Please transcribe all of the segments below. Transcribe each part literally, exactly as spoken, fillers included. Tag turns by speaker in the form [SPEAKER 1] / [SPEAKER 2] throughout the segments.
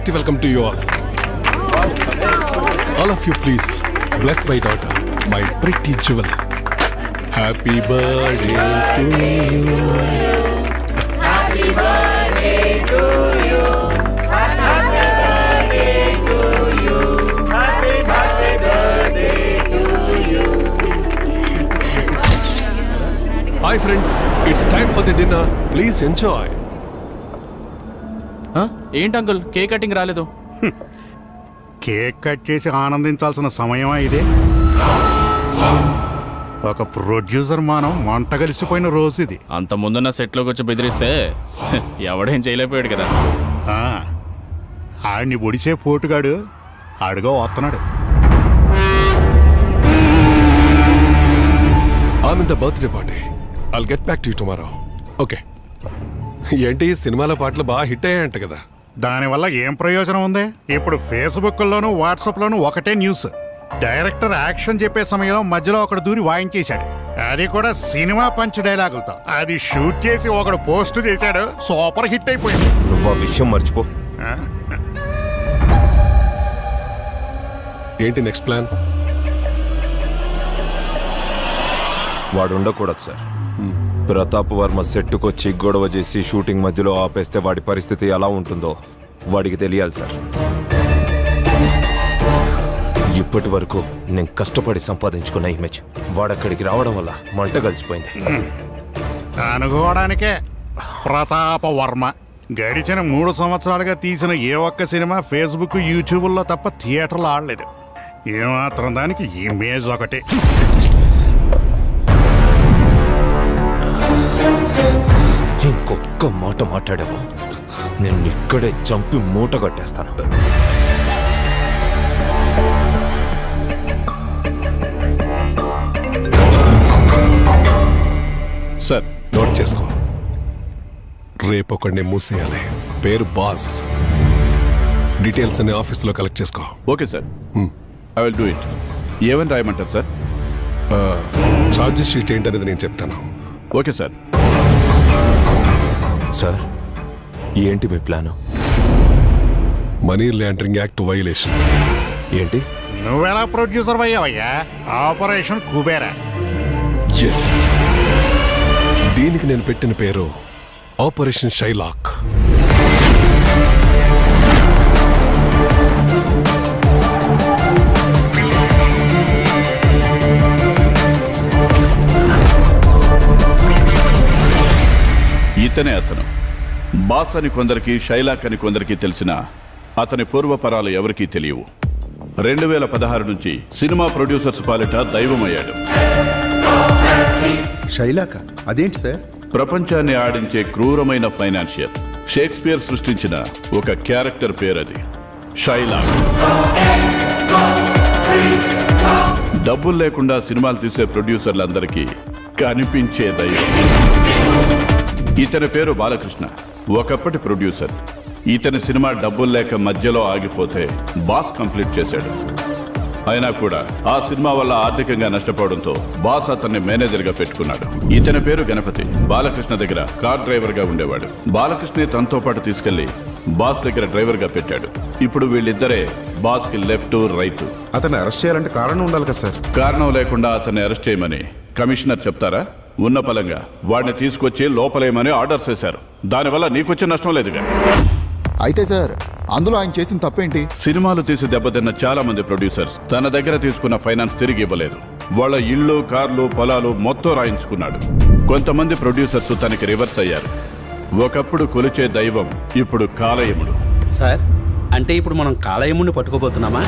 [SPEAKER 1] hearty welcome to you all. All of you, please bless my daughter, my pretty jewel. Happy birthday to you.
[SPEAKER 2] Happy birthday to you. Happy birthday to you. Happy birthday to you.
[SPEAKER 1] Hi friends, it's time for the dinner. Please enjoy.
[SPEAKER 3] ఏంటి uncle cake cutting రాలేదు?
[SPEAKER 4] Cake cut చేసి ఆనందించాల్సిన సమయమా ఇదే? ఒక producer మానం మంట కలిసిపోయిన రోజు ఇది.
[SPEAKER 3] అంత ముందున్న సెట్లోకి వచ్చి బెదిరిస్తే ఎవడేం చేయలేకపోయాడు కదా.
[SPEAKER 4] ఆడిని ఒడిచే పోటుగాడు ఆడుగా వస్తున్నాడు.
[SPEAKER 1] I'm in the birthday party. I'll get back to you tomorrow. Okay. ఏంటి సినిమాల పాటలు బాగా హిట్ అయ్యాయంట కదా?
[SPEAKER 4] దానివల్ల ఏం ప్రయోజనం ఉంది? ఇప్పుడు ఫేస్బుక్లోను వాట్సాప్లోను ఒకటే న్యూస్. డైరెక్టర్ యాక్షన్ చెప్పే సమయంలో మధ్యలో ఒకడు దూరి వాయించేశాడు. అది కూడా సినిమా పంచ్ డైలాగులతో. అది షూట్ చేసి ఒకడు పోస్ట్ చేశాడు, సూపర్ హిట్ అయిపోయింది.
[SPEAKER 5] నువ్వు ఆ విషయం మర్చిపో.
[SPEAKER 1] ఏంటి నెక్స్ట్ ప్లాన్?
[SPEAKER 5] వాడు ఉండకూడదు సార్. ప్రతాప్ వర్మ సెట్టుకొచ్చి గొడవ చేసి షూటింగ్ మధ్యలో ఆపేస్తే వాడి పరిస్థితి ఎలా ఉంటుందో వాడికి తెలియాలి సార్. ఇప్పటి వరకు నేను కష్టపడి సంపాదించుకున్న ఇమేజ్ వాడక్కడికి రావడం వల్ల మంట కలిసిపోయింది.
[SPEAKER 4] అనుకోవడానికే ప్రతాప వర్మ గడిచిన మూడు సంవత్సరాలుగా తీసిన ఏ ఒక్క సినిమా ఫేస్బుక్ యూట్యూబ్లో తప్ప థియేటర్లో ఆడలేదు. ఏమాత్రం దానికి ఇమేజ్ ఒకటి.
[SPEAKER 5] ఇంకొక్క మాట మాట్లాడావు నేను ఇక్కడే చంపి మూట కట్టేస్తాను.
[SPEAKER 1] సార్ నోట్ చేసుకో. రేపు ఒకడిని మూసేయాలి. పేరు బాస్. డీటెయిల్స్ అన్ని ఆఫీస్లో కలెక్ట్ చేసుకో.
[SPEAKER 6] Okay sir, I will do it. ఏమని రాయమంటారు సార్?
[SPEAKER 1] ఛార్జెస్ షీట్ ఏంటనేది నేను చెప్తాను.
[SPEAKER 6] Okay sir.
[SPEAKER 5] సార్ ఏంటి మీ plan?
[SPEAKER 1] Money laundering act violation.
[SPEAKER 5] ఏంటి?
[SPEAKER 4] నువ్వెలా ప్రొడ్యూసర్ అయ్యావయ్యా? ఆపరేషన్ కుబేరా.
[SPEAKER 1] ఎస్, దీనికి నేను పెట్టిన పేరు ఆపరేషన్ షైలాక్.
[SPEAKER 6] ఇతనే అతను. బాస్ అని కొందరికి, షైలాక్ అని కొందరికి తెలిసిన అతని పూర్వపరాలు ఎవరికీ తెలియవు. రెండు వేల పదహారు నుంచి సినిమా ప్రొడ్యూసర్స్ పాలిట దైవమయ్యాడు.
[SPEAKER 7] షైలాక్ అదేంటి సార్?
[SPEAKER 6] ప్రపంచాన్ని ఆడించే క్రూరమైన ఫైనాన్షియర్. షేక్స్పియర్ సృష్టించిన ఒక క్యారెక్టర్ పేరది, షైలాక్. డబ్బులు లేకుండా సినిమాలు తీసే ప్రొడ్యూసర్లందరికీ కనిపించే దైవం. ఇతని పేరు బాలకృష్ణ, ఒకప్పటి ప్రొడ్యూసర్. ఇతని సినిమా డబ్బులు లేక మధ్యలో ఆగిపోతే బాస్ కంప్లీట్ చేశాడు. అయినా కూడా ఆ సినిమా వల్ల ఆర్థికంగా నష్టపోవడంతో బాస్ అతన్ని మేనేజర్గా పెట్టుకున్నాడు. ఇతని పేరు గణపతి. బాలకృష్ణ దగ్గర కార్ డ్రైవర్గా ఉండేవాడు. బాలకృష్ణ తనతో పాటు తీసుకెళ్లి బాస్ దగ్గర డ్రైవర్గా పెట్టాడు. ఇప్పుడు వీళ్ళిద్దరే బాస్కి లెఫ్ట్ రైట్.
[SPEAKER 7] అతన్ని అరెస్ట్ చేయాలంటే కారణం ఉండాలి కదా సార్?
[SPEAKER 6] కారణం లేకుండా అతన్ని అరెస్ట్ చేయమని కమిషనర్ చెప్తారా? ఉన్న పలంగా వాడిని తీసుకొచ్చి లోపలేయమని ఆర్డర్ చేశారు. దానివల్ల నీకొచ్చే నష్టం లేదుగా.
[SPEAKER 7] అయితే సార్ అందులో ఆయన చేసిన తప్పేంటి?
[SPEAKER 6] సినిమాలు తీసి దెబ్బతిన్న చాలా మంది ప్రొడ్యూసర్స్ తన దగ్గర తీసుకున్న ఫైనాన్స్ తిరిగి ఇవ్వలేదు. వాళ్ళ ఇళ్ళు, కార్లు, పొలాలు మొత్తం రాయించుకున్నాడు. కొంతమంది ప్రొడ్యూసర్స్ తనకి రివర్స్ అయ్యారు. ఒకప్పుడు కొలిచే దైవం ఇప్పుడు కాలయముడు.
[SPEAKER 8] సార్ అంటే ఇప్పుడు మనం కాలయముడిని పట్టుకోబోతున్నామా?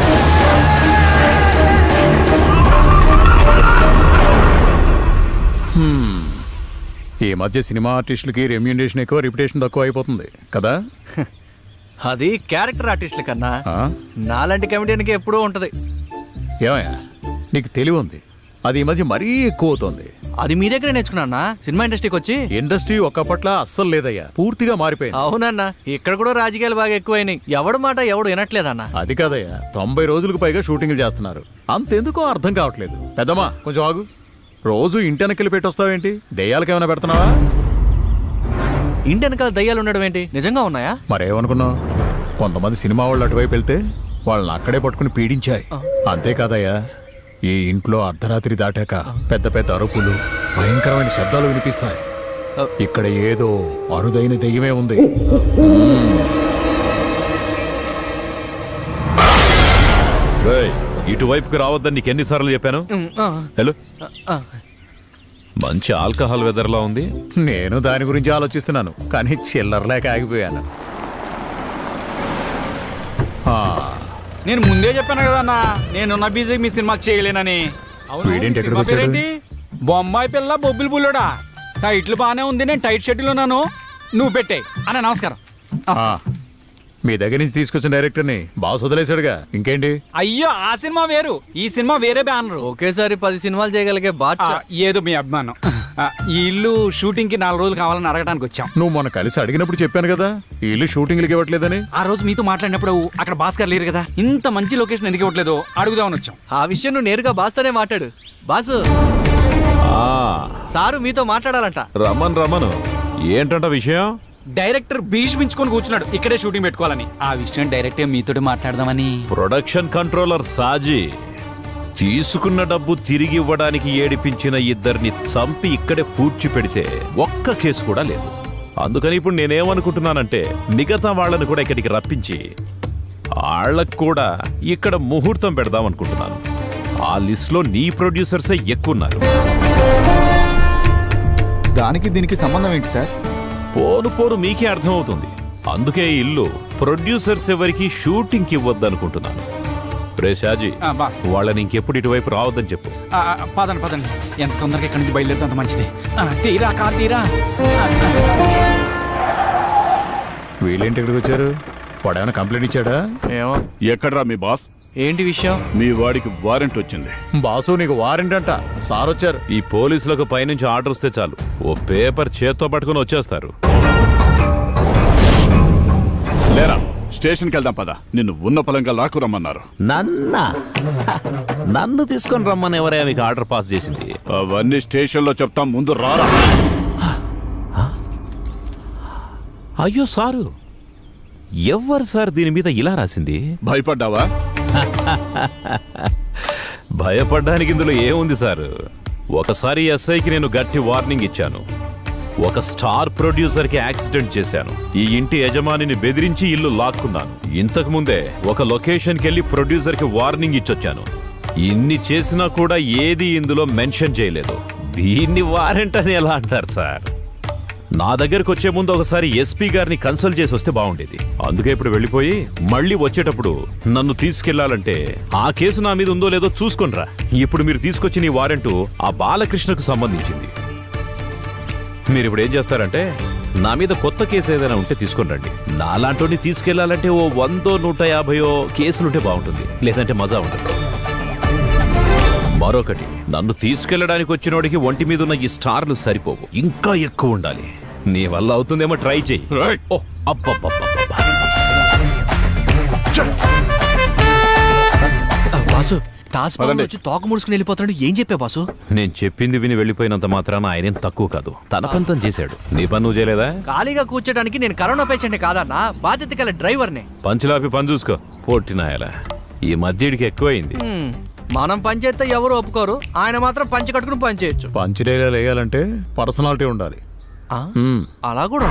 [SPEAKER 9] ఈ మధ్య సినిమా ఆర్టిస్టులకి రెమ్యూనరేషన్ ఎక్కువ, రిప్యుటేషన్ తక్కువ అయిపోతుంది కదా.
[SPEAKER 3] అది క్యారెక్టర్ ఆర్టిస్టుల కన్నా నాలాంటి కమెడియన్కి ఎప్పుడూ ఉంటది.
[SPEAKER 9] ఏమయ్యా నీకు తెలివి ఉంది, అది ఈ మధ్య మరీ ఎక్కువ అవుతుంది.
[SPEAKER 3] అది మీ దగ్గర నేర్చుకున్నా సినిమా ఇండస్ట్రీకి వచ్చి.
[SPEAKER 9] ఇండస్ట్రీ ఒకప్పట్ల అస్సలు లేదయ్యా, పూర్తిగా మారిపోయింది.
[SPEAKER 3] అవునన్నా, ఇక్కడ కూడా రాజకీయాలు బాగా ఎక్కువైనాయి. ఎవడు మాట ఎవడు వినట్లేదన్నా.
[SPEAKER 9] అది కాదయ్యా, తొంభై రోజులకు పైగా షూటింగ్లు చేస్తున్నారు. అంతెందుకో అర్థం కావట్లేదు. పెద్దమ్మా కొంచెం ఆగు. రోజు ఇంటి వెనకలు పెట్టొస్తావేంటి? దెయ్యాలకి ఏమైనా పెడుతున్నావా?
[SPEAKER 3] ఇంటి వెనకాల దయ్యాలు ఉండడం ఏంటి? నిజంగా ఉన్నాయా?
[SPEAKER 9] మరేమనుకున్నావు? కొంతమంది సినిమా వాళ్ళు అటువైపు వెళ్తే వాళ్ళని అక్కడే పట్టుకుని పీడించాయి. అంతేకాదయ్యా, ఈ ఇంట్లో అర్ధరాత్రి దాటాక పెద్ద పెద్ద అరుపులు, భయంకరమైన శబ్దాలు వినిపిస్తాయి. ఇక్కడ ఏదో అరుదైన దెయ్యమే ఉంది.
[SPEAKER 5] రేయ్, ఇటువైపుకి రావద్దని నీకు ఎన్నిసార్లు చెప్పాను? హలో, మంచి ఆల్కహాల్ వెదర్లా ఉంది.
[SPEAKER 9] నేను దాని గురించి ఆలోచిస్తున్నాను, కానీ చిల్లర లేక ఆగిపోయాను. ఆ,
[SPEAKER 2] నేను ముందే చెప్పాను కదా అన్న, నేనున్న బీజీ మీ సినిమా చేయలేనని. అవును,
[SPEAKER 9] వీడేంటి
[SPEAKER 2] మీ
[SPEAKER 9] ఎక్కడికి
[SPEAKER 2] సినిమా
[SPEAKER 9] వచ్చాడు?
[SPEAKER 2] పేరేంటి? బొమ్మాయి పిల్ల బొబ్బిలి బుల్లోడా. టైట్లు బాగానే ఉంది, నేను టైట్ షెడ్యూల్ ఉన్నాను, నువ్వు పెట్టే అన్న. నమస్కారం.
[SPEAKER 9] ఆ, మీ దగ్గర నుంచి తీసుకొచ్చిన డైరెక్టర్ని బాస్ వదిలేశాడుగా, ఇంకేంటి?
[SPEAKER 2] అయ్యో, ఆ సినిమా వేరు, ఈ సినిమా వేరే బ్యానరు.
[SPEAKER 3] ఒకేసారి పది సినిమాలు చేయగలిగే
[SPEAKER 2] ఆ,
[SPEAKER 3] బాద్షా.
[SPEAKER 2] ఏదో మీ అభిమానం. ఆ, ఈ ఇల్లు షూటింగ్ కి నాలుగు రోజులు కావాలని అడగడానికి వచ్చాం.
[SPEAKER 9] నువ్వు మొన్న కలిసి అడిగినప్పుడు చెప్పాను కదా, ఈ ఇల్లు షూటింగ్లకి ఇవ్వట్లేదని.
[SPEAKER 2] ఆ రోజు మీతో మాట్లాడినప్పుడు అక్కడ భాస్కర్ లేరు కదా, ఇంత మంచి లొకేషన్ ఎందుకు ఇవ్వట్లేదు అడుగుదామని వచ్చాం.
[SPEAKER 3] ఆ విషయం నువ్వు నేరుగా బాస్తోనే మాట్లాడు. బాసు,
[SPEAKER 5] ఆ,
[SPEAKER 3] సారు మీతో మాట్లాడాలంట.
[SPEAKER 5] రమన్ రమను, ఏంటంట విషయం?
[SPEAKER 2] డైరెక్టర్ భీష్మించుకొని కూర్చున్నాడు ఇక్కడే షూటింగ్ పెట్టుకోవాలని. ఆ విషయం డైరెక్ట్ మీతో మాట్లాడదామని.
[SPEAKER 5] ప్రొడక్షన్ కంట్రోలర్ సాజీ తీసుకున్న డబ్బు తిరిగి ఇవ్వడానికి ఏడిపించిన ఇద్దరిని చంపి ఇక్కడే పూడ్చి పెడితే ఒక్క కేసు కూడా లేదు. అందుకని ఇప్పుడు నేనేమనుకుంటున్నానంటే మిగతా వాళ్ళని కూడా ఇక్కడికి రప్పించి వాళ్ళకు కూడా ఇక్కడ ముహూర్తం పెడదాం అనుకుంటున్నాను. ఆ లిస్ట్లో నీ ప్రొడ్యూసర్సే ఎక్కువ ఉన్నారు.
[SPEAKER 7] దానికి దీనికి సంబంధం ఏంటి సార్?
[SPEAKER 5] పోను పోను మీకే అర్థమవుతుంది. అందుకే ఈ ఇల్లు ప్రొడ్యూసర్స్ ఎవరికి షూటింగ్కి ఇవ్వద్దనుకుంటున్నాను. రే షాజీ,
[SPEAKER 2] ఆ, బాస్.
[SPEAKER 5] వాళ్ళని ఇంకెప్పుడు ఇటువైపు రావద్దని చెప్పు.
[SPEAKER 2] ఆ, ఆ, పదండి పదండి, ఎంత తొందరగా ఇక్కడి నుంచి బయలుదేరితే అంత మంచిది. ఆ, తీరా కా తీరా. ఆ, ఆ.
[SPEAKER 9] వీళ్ళేంటి ఇక్కడికి వచ్చారు? వాడు ఏమైనా కంప్లైంట్ ఇచ్చాడా?
[SPEAKER 3] ఏమో,
[SPEAKER 6] ఎక్కడ్రా మీ బాస్?
[SPEAKER 3] ఏంటి విషయం?
[SPEAKER 6] మీ వాడికి వారెంట్ వచ్చింది.
[SPEAKER 9] బాసు, నీకు వారెంట్ అంట. సార్ వచ్చారు.
[SPEAKER 5] ఈ పోలీసులకు పైనుంచి ఆర్డర్ వస్తే చాలు, ఓ పేపర్ చేత్తో పట్టుకుని వచ్చేస్తారు.
[SPEAKER 6] లేరా, స్టేషన్కి వెళ్దాం పద. నిన్ను ఉన్న పొలంగా లాక్కు రమ్మన్నారు.
[SPEAKER 5] నన్న నన్ను తీసుకొని రమ్మని ఎవరైనా మీకు ఆర్డర్ పాస్ చేసింది?
[SPEAKER 6] అవన్నీ స్టేషన్లో చెప్తాం, ముందు రారా.
[SPEAKER 5] అయ్యో సారు, ఎవ్వరు సార్ దీని మీద ఇలా రాసింది?
[SPEAKER 6] భయపడ్డావా?
[SPEAKER 5] భయపడ్డానికి ఇందులో ఏముంది సారు? ఒకసారి ఎస్ఐకి నేను గట్టి వార్నింగ్ ఇచ్చాను. ఒక స్టార్ ప్రొడ్యూసర్ కి యాక్సిడెంట్ చేశాను. ఈ ఇంటి యజమానిని బెదిరించి ఇల్లు లాక్కున్నాను. ఇంతకు ముందే ఒక లొకేషన్కి వెళ్ళి ప్రొడ్యూసర్ కి వార్నింగ్ ఇచ్చొచ్చాను. ఇన్ని చేసినా కూడా ఏది ఇందులో మెన్షన్ చేయలేదు. దీన్ని వారెంట్ అని ఎలా అంటారు సార్? నా దగ్గరకు వచ్చే ముందు ఒకసారి ఎస్పీ గారిని కన్సల్ట్ చేసి వస్తే బాగుండేది. అందుకే ఇప్పుడు వెళ్ళిపోయి మళ్ళీ వచ్చేటప్పుడు నన్ను తీసుకెళ్లాలంటే ఆ కేసు నా మీద ఉందో లేదో చూసుకొనిరా. ఇప్పుడు మీరు తీసుకొచ్చిన ఈ వారెంటు ఆ బాలకృష్ణకు సంబంధించింది. మీరు ఇప్పుడు ఏం చేస్తారంటే నా మీద కొత్త కేసు ఏదైనా ఉంటే తీసుకొని రండి. నాలాంటి తీసుకెళ్లాలంటే ఓ వందో నూట యాభయో కేసులుంటే బాగుంటుంది, లేదంటే మజా ఉంటుంది. మరొకటి, నన్ను తీసుకెళ్లడానికి వచ్చినోడికి ఒంటి మీద ఉన్న ఈ స్టార్లు సరిపోవు, ఇంకా ఎక్కువ ఉండాలి. నీ వల్ల అవుతుందేమో ట్రై చెయ్యి.
[SPEAKER 6] రైట్.
[SPEAKER 5] ఓ అబ్బబ్బబ్బబ్బబ్బా.
[SPEAKER 3] ఆ, బాసు, టాస్
[SPEAKER 6] పదండి.
[SPEAKER 3] వచ్చి తోక ముడుచుకుని వెళ్ళిపోతాడు. ఏం చెప్పా బాసు?
[SPEAKER 5] నేను చెప్పింది విని వెళ్ళిపోయినంత మాత్రాన ఆయనేం తక్కువ కాదు. తన పంతం చేశాడు. నీ పని నువ్వు చేయలేదా?
[SPEAKER 3] ఖాళీగా కూర్చోడానికి నేను కరోనా పేషెంట్ కాదన్నా, బాధ్యత గల డ్రైవర్నే.
[SPEAKER 5] పంచులాపి పని చూసుకో. పొట్టినాయలా ఈ మధ్యడికి ఎక్కువైంది.
[SPEAKER 3] హ్మ్, మనం పని చేస్తే ఎవరు ఒప్పుకోరు, ఆయన మాత్రం పంచి కట్టుకుని పని చేయొచ్చు.
[SPEAKER 9] పంచి డైలాగ్ వేయాలంటే పర్సనాలిటీ ఉండాలి.
[SPEAKER 3] ఆ,
[SPEAKER 9] మ్మ్.
[SPEAKER 3] అలా కూడా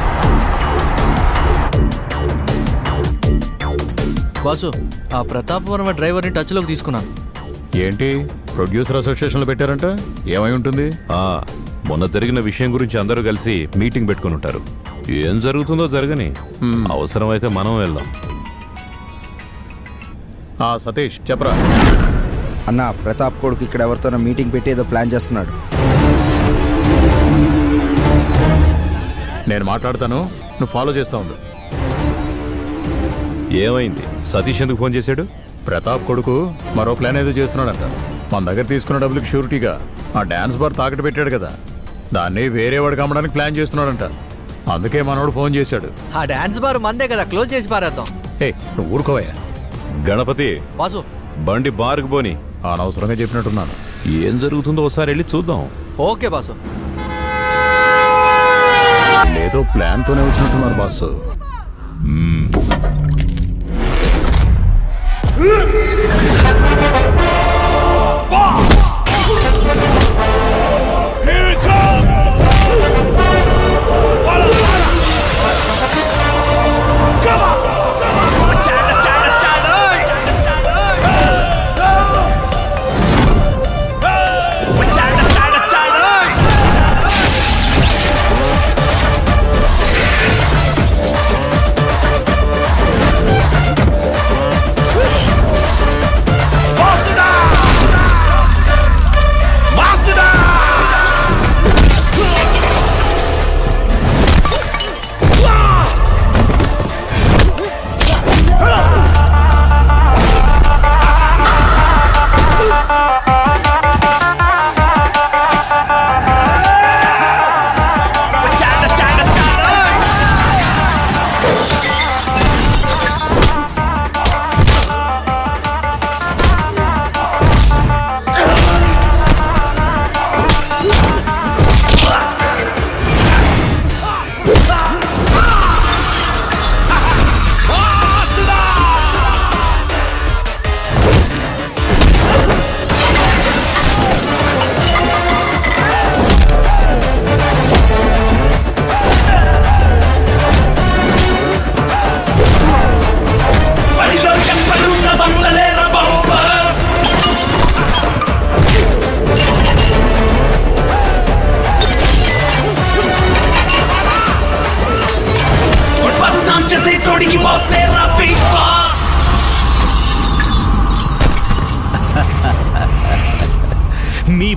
[SPEAKER 3] బాసు, ఆ ప్రతాప్ వర్మ డ్రైవర్ని టచ్లోకి తీసుకున్నాను.
[SPEAKER 9] ఏంటి ప్రొడ్యూసర్ అసోసియేషన్లో పెట్టారంట? ఏమై ఉంటుంది?
[SPEAKER 5] ఆ మొన్న జరిగిన విషయం గురించి అందరూ కలిసి మీటింగ్ పెట్టుకుని ఉంటారు. ఏం జరుగుతుందో జరగని, అవసరమైతే మనం వెళ్దాం.
[SPEAKER 9] ఆ సతీష్ చెప్పరా.
[SPEAKER 10] అన్న, ప్రతాప్ కొడుకు ఇక్కడ ఎవరితోనో మీటింగ్ పెట్టి ఏదో ప్లాన్ చేస్తున్నాడు.
[SPEAKER 9] నేను మాట్లాడతాను, నువ్వు ఫాలో చేస్తా ఉండు.
[SPEAKER 5] ఏమైంది? సతీష్ ఎందుకు ఫోన్ చేశాడు?
[SPEAKER 9] ప్రతాప్ కొడుకు మరో ప్లాన్ ఏదో చేస్తున్నాడంట. మన దగ్గర తీసుకున్న డబ్బులకి షూరిటీగా ఆ డాన్స్ బార్ తాకట్టు పెట్టాడు కదా, దాన్ని వేరే వాడికి అమ్మడానికి ప్లాన్ చేస్తున్నాడంట. అందుకే మనోడు ఫోన్ చేశాడు.
[SPEAKER 3] ఆ డాన్స్ బార్ మందే కదా, క్లోజ్ చేసి పారేద్దాం.
[SPEAKER 9] ఏ నువ్వు ఊరుకోవయ్యా.
[SPEAKER 5] గణపతి,
[SPEAKER 3] బాసు,
[SPEAKER 5] బండి బార్కు పోని.
[SPEAKER 9] అనవసరంగా చెప్పినట్టున్నాను.
[SPEAKER 5] ఏం జరుగుతుందో ఒకసారి వెళ్ళి చూద్దాం.
[SPEAKER 3] Okay boss.
[SPEAKER 9] ఏదో ప్లాన్తోనే వచ్చినట్టున్నారు బాసు.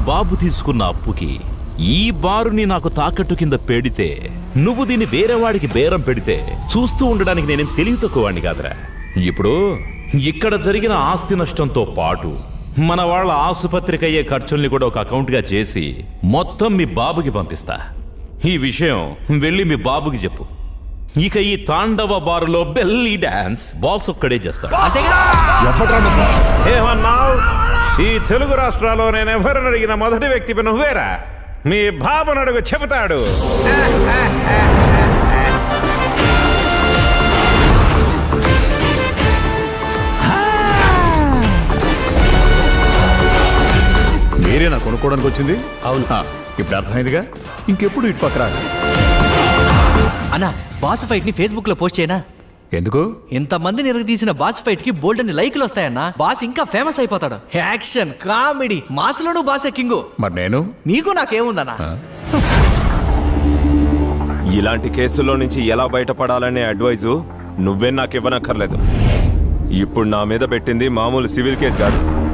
[SPEAKER 5] బాబు తీసుకున్న అప్పుకి ఈ బారుని నాకు తాకట్టు కింద పెడితే నువ్వు దీన్ని వేరేవాడికి బేరం పెడితే చూస్తూ ఉండడానికి నేనేం తెలివి తక్కువవాడిని కాదురా. ఇప్పుడు ఇక్కడ జరిగిన ఆస్తి నష్టంతో పాటు మన వాళ్ళ ఆసుపత్రికి అయ్యే ఖర్చుల్ని కూడా ఒక అకౌంట్గా చేసి మొత్తం మీ బాబుకి పంపిస్తా. ఈ విషయం వెళ్ళి మీ బాబుకి చెప్పు. ఇక ఈ తాండవ బారులో బెల్లీ డాన్స్ బాస్ ఒక్కడే చేస్తాడు. ఏమన్నావు? ఈ తెలుగు రాష్ట్రాల్లో నేను ఎవరిని అడిగిన మొదటి వ్యక్తి నువ్వేరా. మీ బాబును అడుగు చెబుతాడు.
[SPEAKER 9] మీరేనా కొనుక్కోవడానికి వచ్చింది? అవును. ఇప్పుడు అర్థమైందిగా, ఇంకెప్పుడు ఇటు పక్క రాదు.
[SPEAKER 3] అన్నా బాస్ ఫైట్ ని ఫేస్బుక్ లో పోస్ట్ చేయనా?
[SPEAKER 9] ఎందుకు?
[SPEAKER 3] ఇంతమంది నిరగదీసిన బాస్ ఫైట్ కి బోల్డ్ అని లైకులు వస్తాయన్నా. బాస్ ఇంకా ఫేమస్ అయిపోతాడు. యాక్షన్, కామెడీ, మాసులోను బాసే కింగు.
[SPEAKER 9] మరి నేను?
[SPEAKER 3] నీకు నాకేముందన్నా?
[SPEAKER 11] ఇలాంటి కేసుల్లో నుంచి ఎలా బయటపడాలనే అడ్వైజు నువ్వే నాకు ఇవ్వనక్కర్లేదు. ఇప్పుడు నా మీద పెట్టింది మామూలు సివిల్ కేసు కాదు,